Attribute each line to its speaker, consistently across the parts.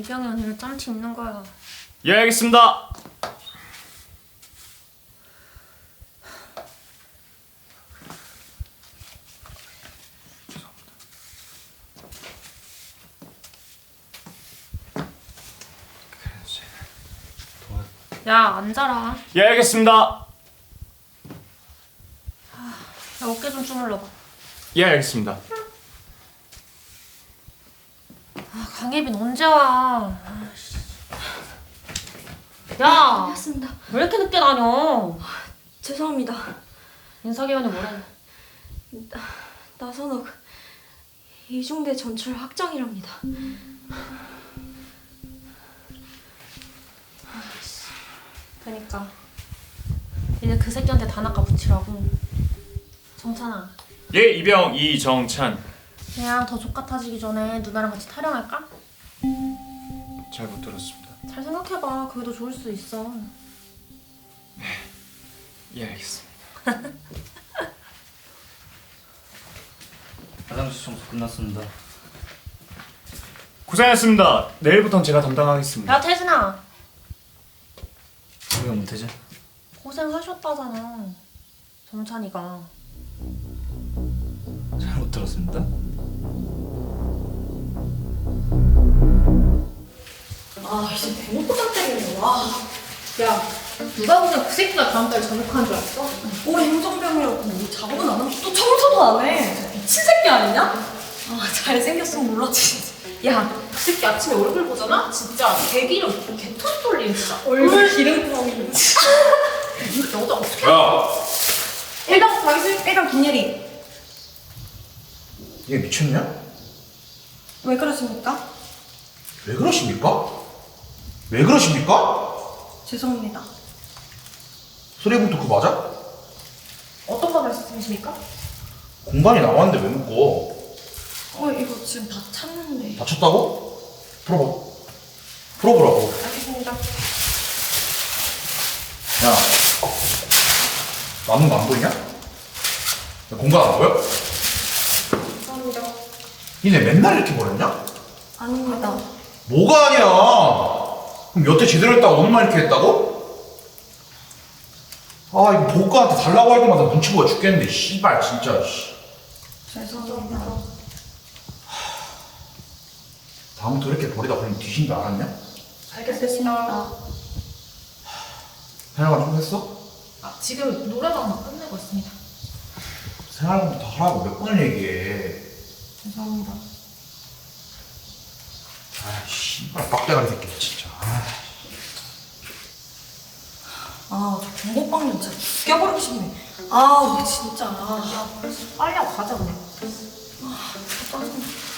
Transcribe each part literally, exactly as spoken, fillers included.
Speaker 1: 이병이 언니를 짬치 있는 거야.
Speaker 2: 예, 알겠습니다.
Speaker 1: 야, 앉아라.
Speaker 2: 예, 알겠습니다.
Speaker 1: 야, 어깨 좀 주물러봐.
Speaker 2: 예, 알겠습니다.
Speaker 1: 아, 강예빈 언제 와? 아이씨. 야,
Speaker 3: 알겠습니다.
Speaker 1: 왜 이렇게 늦게 다녀?
Speaker 3: 죄송합니다.
Speaker 1: 인사기원이 뭐래?
Speaker 3: 나선욱 이중대 전출 확정이랍니다.
Speaker 1: 그니까 이제 그 새끼한테 단아까 붙이라고. 정찬아,
Speaker 2: 예, 이병 이정찬.
Speaker 1: 그냥 더 족같아지기 전에 누나랑 같이 타령할까?
Speaker 2: 잘 못 들었습니다.
Speaker 1: 잘 생각해봐. 그게 더 좋을 수 있어.
Speaker 2: 예, 알겠습니다.
Speaker 4: 화장실 청소 끝났습니다.
Speaker 2: 고생했습니다. 내일부터는 제가 담당하겠습니다.
Speaker 1: 야, 태진아,
Speaker 4: 왜 못하지?
Speaker 1: 고생하셨다잖아. 정찬이가.
Speaker 4: 잘 못 들었습니다.
Speaker 1: 아, 이제 대놓고 짱 때리네. 와. 야, 누가 보면 그 새끼가 다음 달에 전역하는 줄 알았어?
Speaker 3: 올 행정병이라고 뭐 작업은 안 하고 또 청소도 안 해.
Speaker 1: 미친 새끼 아니냐?
Speaker 3: 아 잘생겼으면 몰랐지.
Speaker 1: 야, 그 새끼 아침에 얼굴 보잖아? 진짜 개기름 개토 돌린 진짜.
Speaker 3: 얼굴 기름꾸러기.
Speaker 1: 이거 여자 어떻게?
Speaker 2: 야,
Speaker 3: 일병 박이슬, 일병 김예리.
Speaker 5: 얘 미쳤냐?
Speaker 3: 왜 그러십니까?
Speaker 5: 왜 그러십니까? 왜 그러십니까?
Speaker 3: 죄송합니다.
Speaker 5: 소리부터 그거 맞아?
Speaker 1: 어떤 거 말씀이십니까?
Speaker 5: 공간이 나왔는데 왜 묶어?
Speaker 3: 어 이거 지금 다 찼는데.
Speaker 5: 다쳤다고? 풀어봐. 풀어보라고.
Speaker 1: 알겠습니다.
Speaker 5: 야, 남는 거 안 보이냐? 야, 공간 안 보여?
Speaker 3: 죄송합니다.
Speaker 5: 니네 맨날 이렇게 버렸냐?
Speaker 3: 아닙니다.
Speaker 5: 뭐가 아니야? 그럼 여태 제대로 했다고 오늘만 이렇게 했다고? 아 이거 보고한테 달라고 할 때마다 눈치 보여 죽겠는데 씨발 진짜 씨.
Speaker 3: 죄송합니다.
Speaker 5: 다음부터 이렇게 버리다 보면 뒤진 줄 알았냐?
Speaker 3: 알겠습니다.
Speaker 5: 생활관 좀 했어?
Speaker 1: 아, 지금 노래방만 끝내고 있습니다.
Speaker 5: 생활관부터 하라고 몇 번을 얘기해.
Speaker 1: 죄송합니다.
Speaker 5: 아 씨발 빡대가리 새끼 진짜. 아.
Speaker 3: 아, 저 공고빵 진짜 죽여버리고 싶네. 아, 왜 진짜. 아,
Speaker 1: 빨리 하고 가자 그냥.
Speaker 3: 짜증나.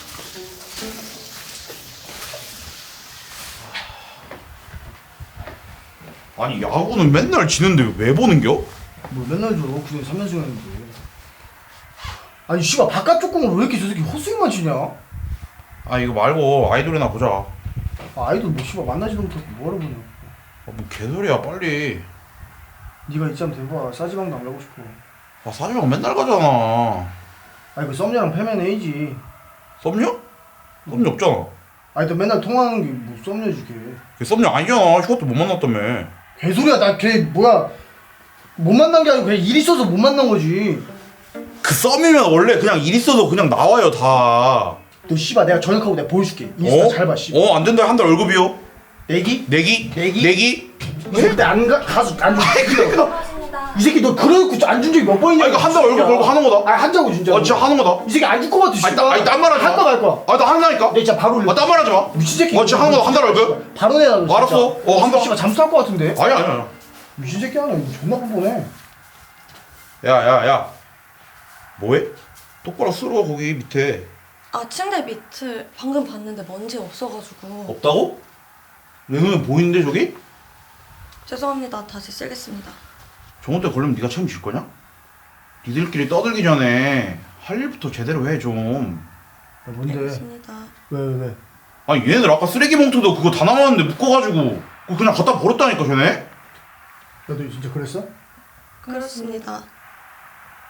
Speaker 5: 아니 야구는 맨날 지는데 왜 보는겨?
Speaker 6: 뭐 맨날 줘. 그냥 삼 연승 했는데. 아니 씨발 바깥쪽 공을 왜 이렇게 저 새끼 헛스윙만 치냐?
Speaker 5: 아 이거 말고 아이돌이나 보자. 아,
Speaker 6: 아, 아이돌 뭐 씨발 만나지도 못하고 뭐하러 보냐.
Speaker 5: 뭐 개소리야 빨리.
Speaker 6: 네가 이쯤 돼봐. 싸지방도 안 가고 싶어.
Speaker 5: 아 사주방 맨날 가잖아.
Speaker 6: 아니 그 썸녀랑 패면 A지.
Speaker 5: 썸녀? 썸녀 없잖아.
Speaker 6: 아니 너 맨날 통화하는 게 뭐 썸녀지 걔.
Speaker 5: 걔 썸녀 아니잖아. 휴가 때 못 만났다며.
Speaker 6: 개소리야. 나 걔 뭐야 못 만난 게 아니고 그냥 일 있어서 못 만난 거지.
Speaker 5: 그 썸이면 원래 그냥 일 있어도 그냥 나와요 다.
Speaker 6: 너 씨발 내가 전역하고 내가 보여줄게. 인스타
Speaker 5: 어?
Speaker 6: 잘 봐 씨발.
Speaker 5: 어, 안 된다. 한 달 월급이요.
Speaker 6: 내기?
Speaker 5: 내기?
Speaker 6: 내기?
Speaker 5: 내기?
Speaker 6: 절대 안 가, 가수 안 줘.
Speaker 3: 고맙습니다.
Speaker 6: 이 새끼 너 그래놓고 안 준 적이 몇 번이냐?
Speaker 5: 아, 이거 한 달 월급 벌고 하는 거다.
Speaker 6: 아니 한자고 진짜.
Speaker 5: 아, 진짜 하는 거다.
Speaker 6: 이 새끼 안 줄 것 같아.
Speaker 5: 아니,
Speaker 6: 씨발.
Speaker 5: 나- 아니, 딴 말 하지 마.
Speaker 6: 할거 갈 거야.
Speaker 5: 아, 나 한다니까.
Speaker 6: 내 진짜 바로 올려.
Speaker 5: 아, 딴 말 하지 마.
Speaker 6: 미친 새끼.
Speaker 5: 어, 진짜 하는 거다. 한 달 월급?
Speaker 6: 바로 내놔. 너 진짜.
Speaker 5: 알았어. 어, 한 달.
Speaker 6: 씨발 잠수할 것 같은데.
Speaker 5: 아니, 아니, 아니.
Speaker 6: 미친 새끼 아니야. 이거 존나 뻔뻔해.
Speaker 5: 야, 야, 야. 뭐해? 똑바로 쓸어, 거기 밑에.
Speaker 3: 아, 침대 밑을 방금 봤는데 먼지 없어가지고.
Speaker 5: 없다고? 내 눈에 보이는데, 저기?
Speaker 3: 죄송합니다. 다시 쓰겠습니다.
Speaker 5: 저한테 걸리면 네가 책임질 거냐? 니들끼리 떠들기 전에 할 일부터 제대로 해, 좀.
Speaker 6: 야, 뭔데?
Speaker 3: 알겠습니다.
Speaker 6: 왜, 왜, 왜?
Speaker 5: 아니, 얘네들 아까 쓰레기 봉투도 그거 다 남았는데 묶어가지고 그거 그냥 갖다 버렸다니까, 쟤네?
Speaker 6: 야, 너 진짜 그랬어?
Speaker 3: 그렇습니다.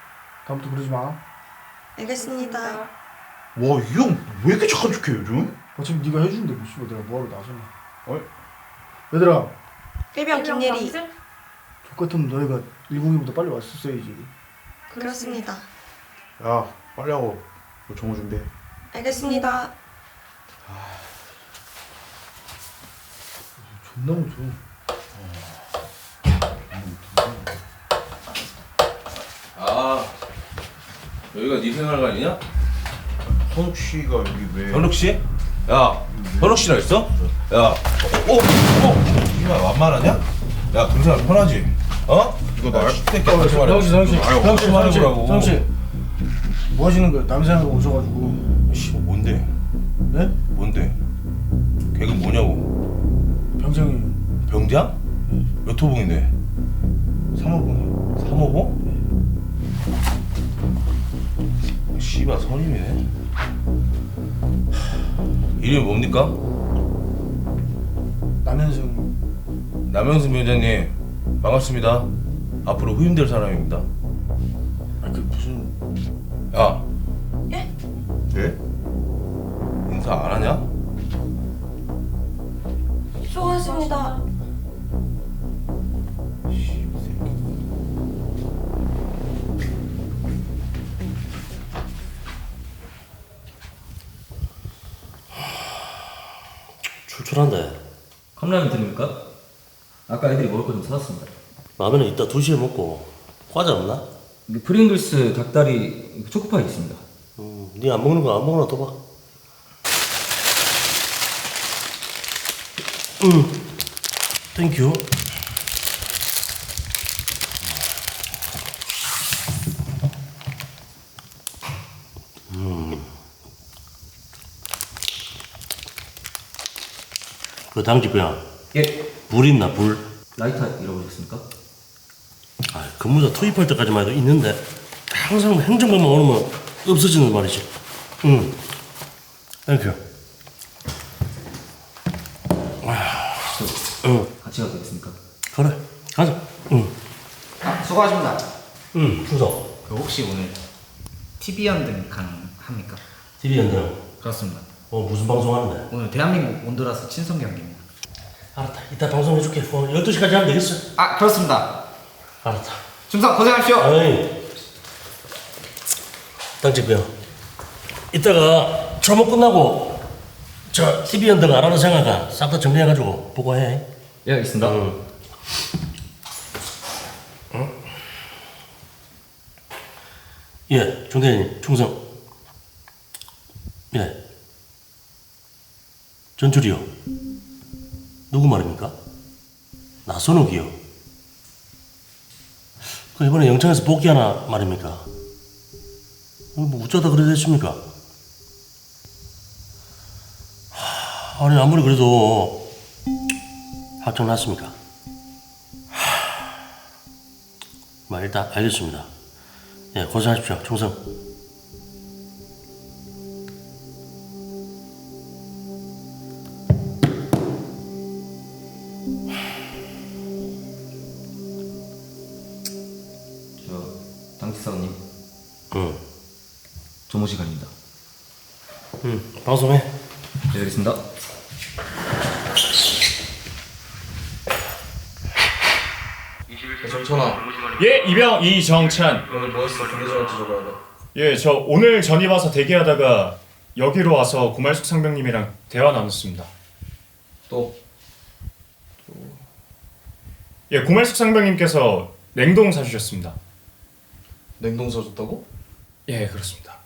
Speaker 6: 다음부터 그러지 마.
Speaker 3: 알겠습니다.
Speaker 5: 와, 이 형 왜 이렇게 착한 척해, 요즘?
Speaker 6: 어차피 네가 해주는데 뭐 씨발 내가 뭐하러 나서나.
Speaker 5: 어이?
Speaker 6: 얘들아,
Speaker 3: 일병 김예리.
Speaker 6: 족같으면 너희가 일공이보다 빨리 왔었어야지.
Speaker 3: 그렇습니다.
Speaker 5: 야 빨리 하고 너 정호 준비해.
Speaker 3: 알겠습니다.
Speaker 6: 존나 무서.
Speaker 7: 아 여기가 네 생활관이냐?
Speaker 5: 현욱 씨가 여기 왜?
Speaker 7: 현욱 씨? 야 현욱 씨라 했어? 야 어? 어? 어? 이말 완만하냐? 야 그런 생활 편하지? 어?
Speaker 5: 이거 나
Speaker 7: 새끼 같이 말해.
Speaker 6: 성씨, 성씨,
Speaker 7: 아유,
Speaker 6: 성씨, 성씨,
Speaker 7: 말해보라고.
Speaker 6: 성씨. 뭐 하시는 거예요? 남생하고 오셔가지고.
Speaker 7: 씨 뭔데?
Speaker 6: 네?
Speaker 7: 뭔데? 걔가 뭐냐고?
Speaker 6: 병장이
Speaker 7: 병장? 몇 호봉인데?
Speaker 6: 삼호분.
Speaker 7: 삼 호봉? 씨발 선임이네. 이름이 뭡니까?
Speaker 6: 남현승.
Speaker 7: 남영순 위원장님 반갑습니다. 앞으로 후임될 사람입니다.
Speaker 6: 아, 그 무슨.
Speaker 7: 야
Speaker 3: 예?
Speaker 7: 예? 인사 안 하냐?
Speaker 3: 수고하셨습니다.
Speaker 8: 출출한데
Speaker 4: 컵라면 드립니까? 아까 애들이 먹을 거 좀 사왔습니다.
Speaker 8: 라면은 이따 두 시에 먹고 과자 없나?
Speaker 4: 이게 프링글스 닭다리 초코파이 있습니다.
Speaker 8: 음, 니 안 먹는 거 안 먹나 더 봐. 음, 땡큐. 음, 그 당직병
Speaker 4: 예.
Speaker 8: 불 있나 불?
Speaker 4: 라이터 잃어버렸습니까?
Speaker 8: 아, 근무자 투입할 때까지만 해도 있는데 항상 행정관만 오면 없어지는 말이지. 응. 땡큐.
Speaker 4: 저
Speaker 8: 응.
Speaker 4: 같이 가도 되겠습니까?
Speaker 8: 그래. 가자. 응.
Speaker 9: 아, 수고하십니다.
Speaker 8: 응. 충성.
Speaker 9: 그 혹시 오늘 티비 연등 가능합니까?
Speaker 8: 티비 연대는
Speaker 9: 그렇습니다.
Speaker 8: 어, 무슨 방송 하는데?
Speaker 9: 오늘 대한민국 온두라스 친선 경기입니다.
Speaker 8: 알았다. 이따 방송해줄게. 어, 열두 시까지 하면 되겠어.
Speaker 9: 아, 그렇습니다.
Speaker 8: 알았다.
Speaker 9: 중성 고생하십시오.
Speaker 8: 어이. 당직병. 이따가 초목 끝나고 저 티비 연등 안 하는 생각아 싹 다 정리해가지고 보고해.
Speaker 4: 예, 알겠습니다.
Speaker 8: 응. 응? 예, 중대장님, 충성. 예. 전출이요. 누구 말입니까? 나선욱이요. 그 이번에 영창에서 복귀하나 말입니까? 어, 뭐 어쩌다 그래 됐습니까? 하, 아니 아무리 그래도 확정 났습니까? 하, 뭐 일단 알겠습니다. 예, 고생하십시오. 충성.
Speaker 4: 저 당직사관님
Speaker 8: 응.
Speaker 4: 조모 시간입니다.
Speaker 8: 응. 방송해.
Speaker 4: 예, 알겠습니다.
Speaker 2: 정천아. 예, 이병 이정찬.
Speaker 7: 오늘 뭐 했어? 경제자를 적어야 돼.
Speaker 2: 예, 저 오늘 전입 와서 대기하다가 여기로 와서 고말숙 상병님이랑 대화 나눴습니다.
Speaker 7: 또?
Speaker 2: 예, 고말숙 상병님께서 냉동 사주셨습니다.
Speaker 7: 냉동 사줬다고?
Speaker 2: 예, 그렇습니다.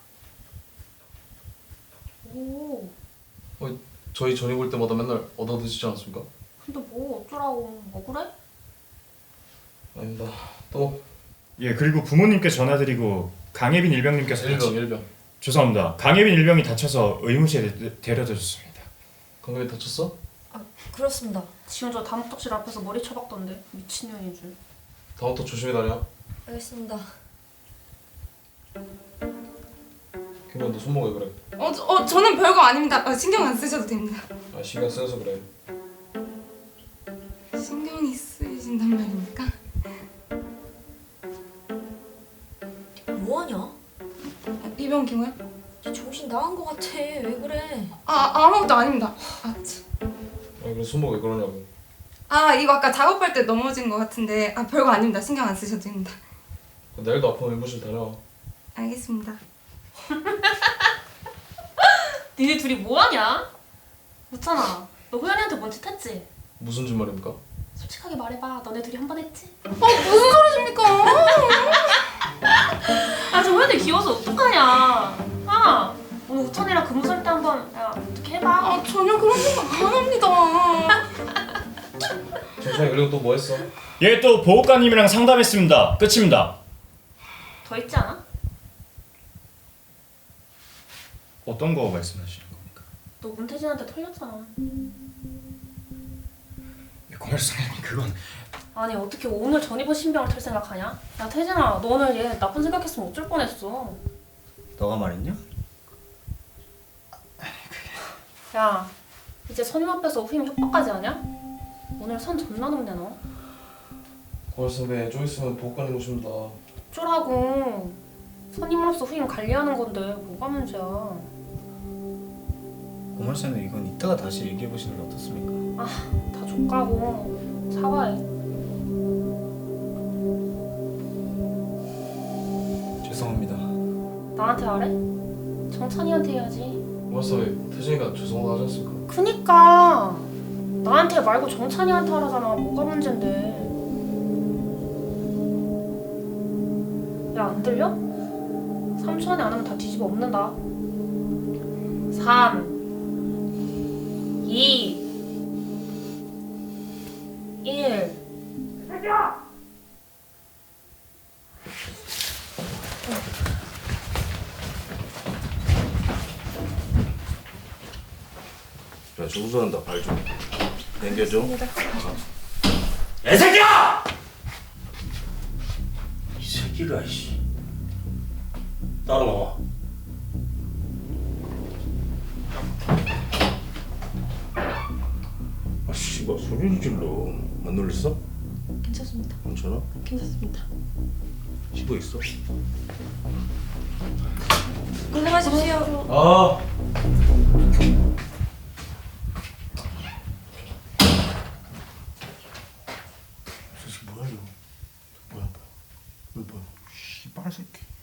Speaker 1: 오,
Speaker 7: 어, 저희 전입 올 때마다 맨날 얻어 드시지 않습니까?
Speaker 1: 근데 뭐 어쩌라고 억울해?
Speaker 7: 아닙니다. 또?
Speaker 2: 예, 그리고 부모님께 전화드리고 강예빈 일병님께서
Speaker 7: 일병
Speaker 2: 다치-
Speaker 7: 일병.
Speaker 2: 죄송합니다. 강예빈 일병이 다쳐서 의무실에 데- 데려다 줬습니다.
Speaker 7: 강경이 다쳤어?
Speaker 3: 아, 그렇습니다.
Speaker 1: 지금 저 다목적실 앞에서 머리 쳐박던데 미친년인 줄.
Speaker 7: 다음부터 조심히 다녀.
Speaker 3: 알겠습니다.
Speaker 7: 김현 너 손목에 그래.
Speaker 10: 어, 저- 어 저는 별거 아닙니다. 아, 신경 안 쓰셔도 됩니다.
Speaker 7: 아 신경 쓰여서 그래.
Speaker 10: 신경이 쓰이신단 말입니까?
Speaker 3: 뭐하냐?
Speaker 10: 아, 이병 김호야?
Speaker 3: 쟤 정신 나간 거 같아. 왜 그래?
Speaker 10: 아 아무것도 아닙니다. 아, 참.
Speaker 7: 아 그래 손목 왜 그러냐고.
Speaker 10: 아 이거 아까 작업할 때 넘어진 것 같은데 아 별거 아닙니다. 신경 안 쓰셔도 됩니다.
Speaker 7: 내일도 아프면 의무실 다녀와.
Speaker 10: 알겠습니다.
Speaker 1: 니네 둘이 뭐하냐? 묻잖아. 너 호연이한테 뭔 짓 했지?
Speaker 7: 무슨 짓말입니까?
Speaker 1: 솔직하게 말해봐. 너네 둘이 한 번 했지?
Speaker 10: 어 무슨 소리십니까?
Speaker 1: 아, 저 호연이 귀여워서 어떡하냐? 아, 오늘 우천이랑 근무 설 때 한번 야 어떻게 해봐.
Speaker 10: 아 전혀 그런 생각 안 합니다.
Speaker 7: 정찬이 그리고 또 뭐 했어?
Speaker 2: 예, 또 보호관님이랑 상담했습니다. 끝입니다.
Speaker 1: 더 있지 않아?
Speaker 2: 어떤 거 말씀하시는 겁니까?
Speaker 1: 너 문태진한테 털렸잖아.
Speaker 2: 고말숙 상병님 그건
Speaker 1: 아니 어떻게 오늘 전입원 신병을 털 생각하냐? 야 태진아, 너 오늘 얘 나쁜 생각했으면 어쩔 뻔했어.
Speaker 9: 너가 말했냐?
Speaker 1: 야, 이제 선임 앞에서 후임 협박까지 하냐? 오늘 선 존나 넘네 너.
Speaker 7: 고말 선배 좀 있으면 보호관님 오십니다.
Speaker 1: 어쩌라고. 선임으로서 후임 관리하는 건데 뭐가 문제야.
Speaker 9: 고말쌤은 이건 이따가 다시 얘기해보시는 게 어떻습니까?
Speaker 1: 아, 다 족가고 사과해.
Speaker 9: 죄송합니다.
Speaker 1: 나한테 하래? 정찬이한테 해야지.
Speaker 7: 고말 선배 태진이가 죄송하다 하지 않습니까?
Speaker 1: 그니까 나한테 말고 정찬이한테 하라잖아. 뭐가 문제인데. 야, 안 들려? 삼 초 안에 안 하면 다 뒤집어 엎는다. 삼 이 일
Speaker 7: 야 정수한다 발 좀. 당겨줘.
Speaker 8: 야, 이 새끼야! 이 새끼가 씨. 따라 나와.
Speaker 7: 아 씨발 소리를 질러. 안 놀랬어?
Speaker 1: 괜찮습니다.
Speaker 7: 괜찮아?
Speaker 1: 괜찮습니다.
Speaker 7: 쉬고 있어.
Speaker 3: 고생하십시오.
Speaker 7: 아.
Speaker 5: 저 새끼 뭐야 이거? 뭐야 뭐야? 왜 뭐야? 씨발 새끼.